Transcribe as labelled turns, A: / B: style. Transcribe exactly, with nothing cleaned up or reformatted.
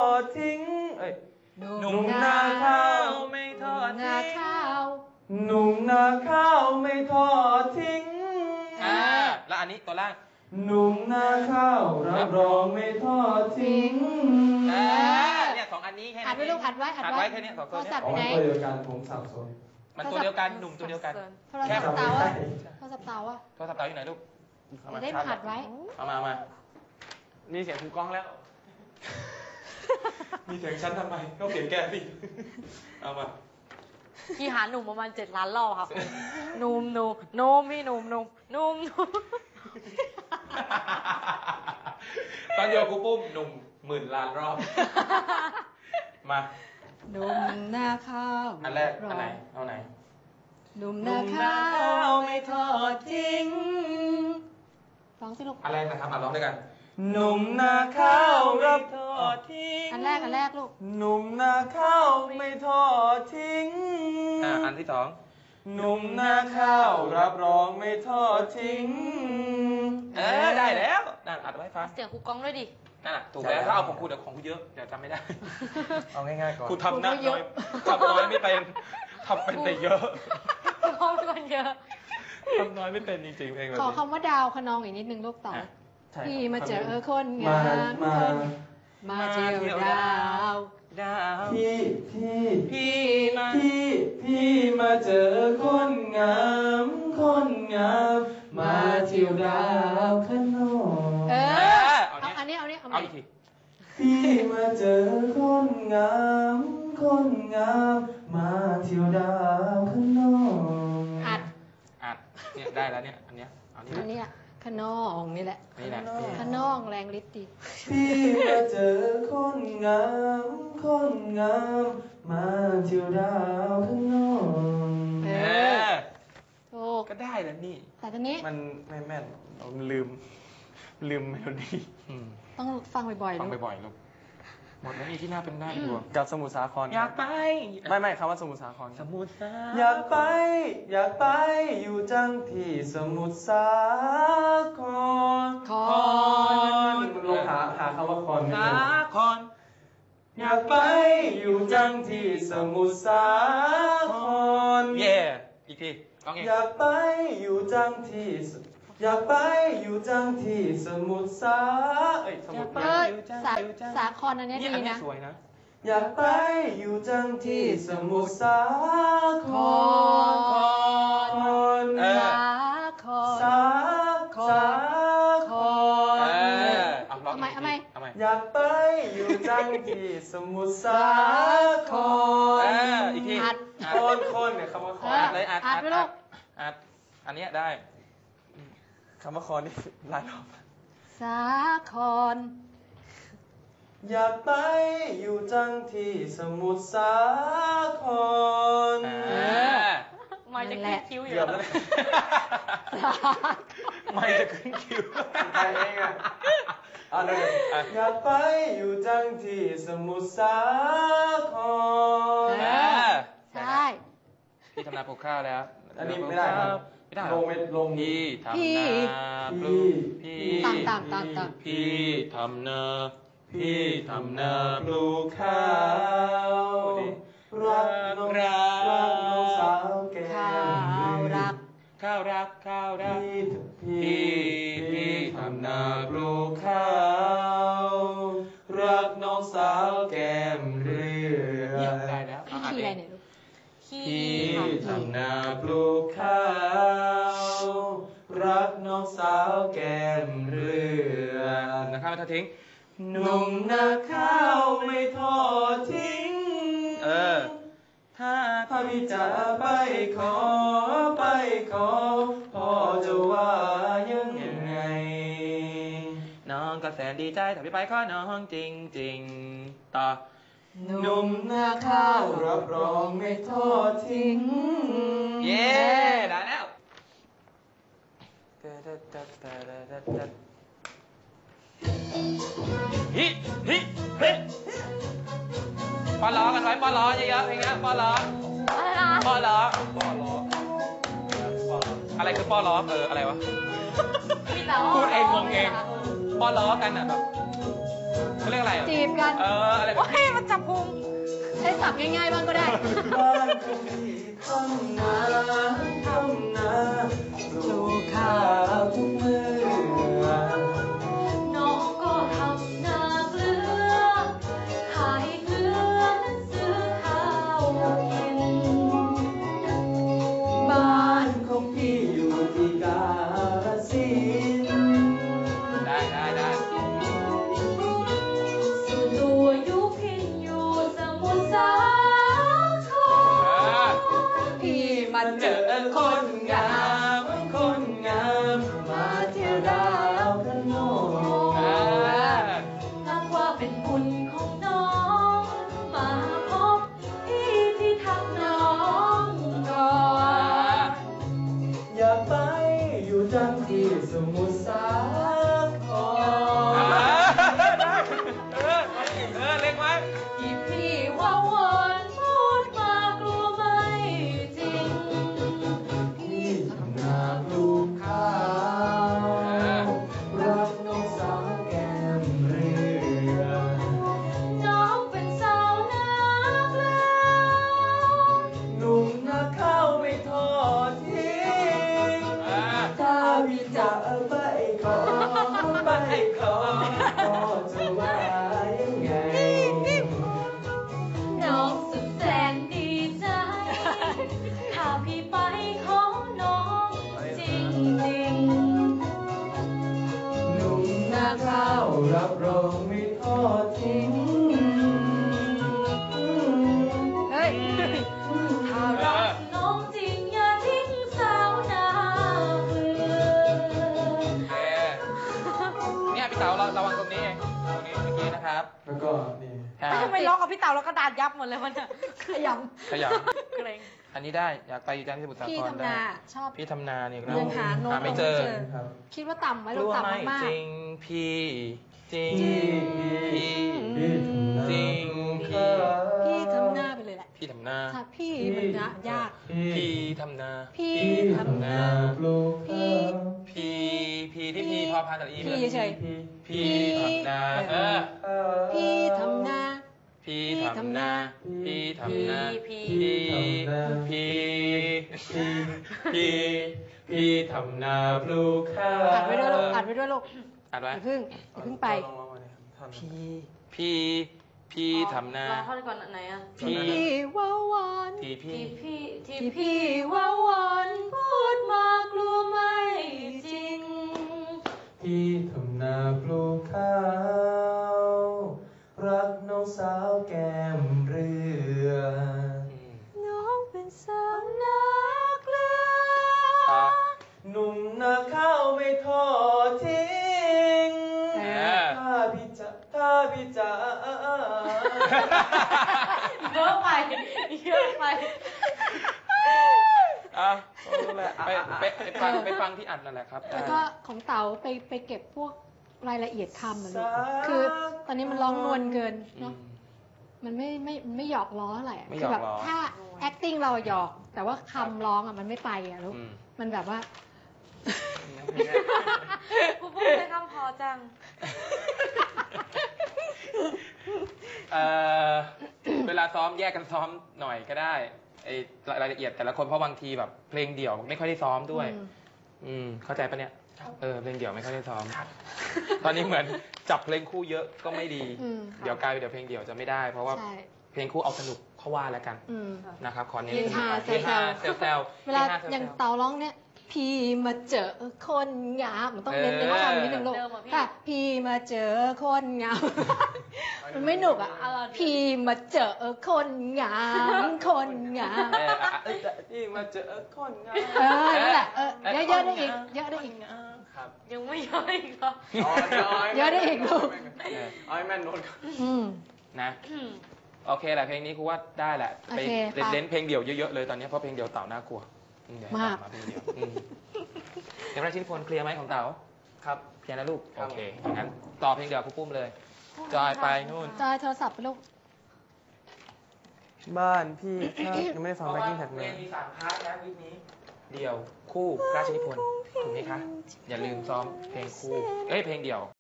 A: อดทิ้งเอ้ยหนุ่มนาข้าวไม่ทอดทิ้งหนุ่มนาข้าวไม่ทอดทิ้งอ่าแล้วอันนี้ตัวล่างหนุ่มนาข้าวรับรองไม่ทอดทิ้งอ่าเนี่ยสองอันนี้แค่นี้อัดไว้ลูกอัดไว้อัดไว้แค่นี้สองตัวนี้อ๋อตัวเดียวกันผมสับสนมันตัวเดียวกันหนุ่มตัวเดียวกัน
B: โทรศัพท์เตาอะโทรศัพท์เตาอะ
A: โทรศัพท์เตาอยู่ไหนลูก
B: ได้อัดไว้
A: เอามามามีเสียงครูกล้องแล้วมีเสียงฉันทำไมก็เสียงแกสิเอามา
C: พี่หาหนุ่มประมาณเจ็ดล้านรอบครับหนุ่มหนุ่มนุ่มพี่หนุ่มหนุ่มนุ่มนุ่ม
A: ตอนเดียวครูปุ้มหนุ่มหมื่นล้านรอบมา
B: หนุ่มนาข้าว
A: อันแรกอันไหนเอาไหน
B: หนุ่มนาข้าวไม่ทอดทิ้งร้องสิลูก
A: อันแรกนะครับมาร้องด้วยกันหนุ่มนาข้าวรับทอดทิ้ง
B: อันแรกอันแรกลูก
A: หนุ่มนาข้าวไม่ทอดทิ้งอ่าอันที่สองหนุ่มนาข้าวรับรองไม่ทอดทิ้งเออได้แล้วนั่นอัดไว้ฟัง
C: เสียงครูกล้องด้วยดิ
A: นั่นแหละถูกแล้วถ้าเอาของครูเดี๋ยวของครูเยอะเดี๋ยวจำไม่ได้เอาง่ายๆก่อนครูทำน้อยทำน้อยไม่เป็นทำเป็นแต่เยอะ
C: ทำเป็นเยอะ
A: ทำน้อยไม่เป็นจริงๆเอง
B: ขอคำว่าดาวขนองอีกนิดนึงลูกต่อพี่มาเจอคนงามคนมาเที่ยวดาว
A: ดาวพี่พี่พี่มาพี่พี่มาเจอคนงามคนงามมาเที่ยวดาวข้างนอก
B: เออเอาอันนี้เอานี้เอา
A: อีกทีพี่มาเจอคนงามคนงามมาเที่ยวดาวข้างนอก
B: อัด
A: อัดเนี่ยได้แล้วเนี่ยอันเนี้ย
B: อันนี้อ่ะขนองนี่แหละ
A: นี่แหละ
B: ขนองแรงฤทธิ์ดี
A: พี่มาเจอคนงามคนงามมาเที่ยวดาวข้างนอก
B: เออโอ้
A: ก็ได้แล้วนี่
B: แต่ตอนนี้
A: มันไม่แม่นเราลืมลืมเมโลดี้
B: ต้องฟังบ่อยๆ
A: ฟังบ่อยๆลูกหมดแล้วนี่ที่น่าเป็นได้อยู่กับสมุทรสาครอยากไปไม่ไม่คำว่าสมุทรสาครสมุทรสาอยากไปอยากไปอยู่จังที่สมุทรสาคร
B: คอน
A: ลองหาหาคำว่าคอนสาครอยากไปอยู่จังที่สมุทรสาครเย่อีกทีอยากไปอยู่จังที่อยากไปอยู่จังที่สมุทรสาเอ้ยสมุทร
B: สาสาครอันนี้ดีนะ
A: สวยนะอยากไปอยู่จังที่สมุทรสาคร
B: สาคร
A: สาครสาคร
B: เอาใหม่เอาใหม่
A: อยากไปอยู่จังที่สมุทรสาครอีกทีคนคนเนี่ยคำว่าคนอัดเลยอัดอัดอัดอัดอันนี้ได้คำว่าคอนนี่หลายรอบ
B: สาคร
A: อยากไปอยู่จังที่สมุทรสาคร
C: ไม่จะขึ้นคิ้วอยู่
A: แล้วไม่จะขึ้นคิ้วไปเองอ่ะอยากไปอยู่จังที่สมุทรสาคร
B: ใช่
A: พี่ทำนาปลูกข้าวแล้วอันนี้ไม่ได้ครับลงเม็ดลงพี่ทำนาปลูกพี่
B: ตามตามตามตาม
A: พี่ทำนาพี่ทำนาปลูกข้าวรักน้องรักน้องสาวแก้
B: วรัก
A: ข้าวรักข้าวรักพี่พี่ทำนาปลูกข้าวรักน้องสาวแก้มเรือได้แล้ว
B: พี่อะไรเนี่ยลูก
A: พี่ทำนาปลูกข้าวรักน้องสาวแก้มเรือนะครับไม่ทอดทิ้งหนุ่มนาข้าวไม่ทอดทิ้งเออถ้าถ้าพี่จะไปขอไปขอพ่อจะว่ายังไงน้องก็แสนดีใจถ้าพี่ไปขอน้องจริงจริงต่อหนุ่มนาข้าวรับรองไม่ทอดทิ้งเย้ได้แล้วฮิฮิเฮ้ปอล้อกันไว้ปอล้อเยอะๆเพลงนี้ปอล้อ
C: อะไรนะ
A: ปอล้อปอล้ออะไรคือปอล้อเอออะไรวะพูดเองงงเองปอล้อกันอ่ะแบบเขาเรียกอะไร
B: จีบกัน
A: เอออะไรแบบ
C: โอ้ย
A: นี้
C: มันจับพุง
B: ใช้ศัพท์ง่ายๆบ้างก็ได้
A: บ้านของพี่ทำนาทำนาปลูกข้าวทุกมื้อ
C: น้องก็ทำนาเกลือ ขายเกลือนั้นซื้อข้าวกิน
A: บ้านของพี่อยู่ที่กาฬสินธุ์ได้ได้ได้
C: ส่วนตัวอยู่พินอยู่สมุทรสาคร
B: พี่มา
A: มา
B: เจ
A: เจ
B: อ
A: อคนงามคนงามมาเที่ยวดาวพระโนง
C: นับว่าเป็นบุญของน้อง มาพบพี่ที่ทำน้องก่อน
A: อยากไปอยู่จังที่สมุทรสาครเออเออเล็กไหม
C: อีพี่ว่าวอนพูดมากลัวไม่จริง
A: พี่ทำนาปลูกข้าวรักน้องสาวแก้มเรือ
C: น้องเป็นสาวนาเกลือ
A: หนุ่มนาข้าวไม่ทอดทิ้งถ้าพี่จะไปขอไปขอก็จะว่ายังไง
C: น้องสุดแสนดีใจ ถ้าพี่ไปขอน้องจริงจริง
A: หนุ่มนาข้าวรับรองไม่ทอดทิ้ง
B: เฮ้ย
C: ๆถ้ารักน้องจริงอย่าทิ้งสาวนาเกลือ
A: เนี่ยพี่เต๋าระวังตรงนี้ตรงนี้เมื่อกี้นะครับ แล้วก็นี่
C: ทำไมร้องกับพี่เต๋าแล้วก็ดานยับหมดเลยมันเนี่ย
B: ขย
A: ขยับ
C: เกรง
A: อันนี้ได้อยากไปอยู่จันทร์ที่สมุทร
B: ำ
A: สา
B: พี่
A: คร
B: ทำ
A: ได้
B: นาชอบ
A: พี่ทำนาเนี่ย
B: ยังหาโน้ต
A: หาไม่เจอ
B: คิดว่าต่ำไหม
A: ก
B: เรา
A: ลัว
B: ต่ำ
A: ไม่
B: มาก
A: จริงพี่จริง
B: จริง
A: พี่จริงพี่
B: ๆพี่ทำหน้าไปเลยแหละ
A: พี่ทำนา
B: ถ้าพี่มันนะยาก
A: พี่ทำนา
B: พี่ทำนา พี่
A: พี่พี่ที่พี่พอพานตัดอี
B: พี่เฉย
A: พี่ทำนาเออ
B: พี่ทำนา
A: พี่ทำนาพี่ทำนา
C: พี่
A: พี่พี่พี่พี่ทำนาปลูกข้าว
B: อัดไว้ด้วยลูกอัดไว้ด้วยลูก
A: อัด
B: อ
A: ไว้
B: ย่าเพึ่งอย่าเพึ่งไป
A: พี่พี่พี่ทำนา
C: ร้องท่อนก่อนไหนอ่ะ
A: พี่
B: พี่ว่าวอน
A: พี่พี่
C: ที่พี่ที่
B: ที่
C: พี่ว่าวอนพูดมากลัวไม่จริง
A: พี่ทำนาปลูกข้าวรักน้องสาวแก้มเรือ
B: น้องเป็นสาวนาเกลือ
A: หนุ่มนาข้าวไม่ทอดทิ้ง
B: เออ
A: ถ้าพี่จะถ้าพี่จะ
C: เยอะไปเยอะไป
A: อ่ะรู้แหละไปไปไปฟังไปฟังที่อัดนั่นแหละครับ
B: แล้วก็ของเต๋าไปไปเก็บพวกรายละเอียดคำอะลูกคือตอนนี้มันร้องนวลเกิน
A: อื
B: เนาะ
A: ม
B: มันไม่ไม่ไม่หยอกล้ออะไรอะ
A: ไม่ห
B: คื
A: ยอก
B: แบบ
A: ล้อ
B: ถ้า acting เราหยอก แต่ว่าคำร้องอะมันไม่ไปอะลูก
A: อืม
B: มันแบบว่า
C: กูพูดได้คำพอจัง
A: เอ่อเวลาซ้อมแยกกันซ้อมหน่อยก็ได้ไอรายละเอียดแต่ละคนเพราะบางทีแบบเพลงเดี่ยวไม่ค่อยได้ซ้อมด้วย
B: อืม
A: อืมเข้าใจปะเนี่ยเออเพลงเดี่ยวไม่ค่อยได้ซ้อมตอนนี้เหมือนจับเพลงคู่เยอะก็ไม่ดี
B: อืม
A: เดี๋ยวกลายเป็นเดี๋ยวเพลงเดี่ยวจะไม่ได้ เพราะว่า
B: ใช่
A: เพลงคู่เอาสนุกเขาว่าแล้วกัน
B: อืม
A: นะครับขอเน้น
B: เฮฮา
A: เฮฮาเซลเซล
B: เวลา
A: ฮฮซล
B: อย่าง
A: ซล
B: เต๋าร้องเนี่ย พี่มาเจอคนงามมันต้องเน้น
A: เออ
B: เน้นว่าคำนิดนึงลูก
C: เดิมอะพี่
B: ค่ะพี่มาเจอคนงาม มันไม่หนุกอ่ะ
C: เอาล่ะ
B: พี่มาเจอคนงามคนงาม
A: เอออ่ะเออนี่มาเจอคนงาม
B: เออนั่นแหละเออเยอะๆได้อีกเยอะได้อีก
A: ครับ
C: ยังไม่เยอะอีกเหรอ
B: เยอะได้อีกลูก
A: เออเอาให้แม่นโน้ตก่อน
B: อืม
A: นะโอเคแหละเพลงนี้ครูว่าได้แหละไป
B: โอเค
A: เล่น
B: ไป
A: เล่นเพลงเดี่ยวเยอะๆเลยตอนนี้เพราะเพลงเดี่ยวเต่าน่ากลัวอืเดี๋ยวให้
B: มาก
A: เต่มาเพลงเดี่ยวอืมเดี๋ยวราชินีพลเคลียร์ไหมของเต๋าครับเคลียร์นะลูกโอเคงั้นต่อเพลงเดี่ยวครูปุ้มเลยจอยไปนู่น
B: จอยโทรศัพท์ไปลูก
D: บ้านพี่ถ้ายังไม่ได้ฟัง
A: เพ
D: แบ็
A: ราะ
D: ค
A: ว่า
D: กิ้งแท็ก
A: เพ
D: เล
A: ล
D: ย
A: งมีสามพาร์ทนะวิกนี้ เดี่ยวคู่ราชนิพนธ์ถูกไหมคะ อย่าลืมซ้อมเพลงคู่ เอ้ยเพลงเดี่ยว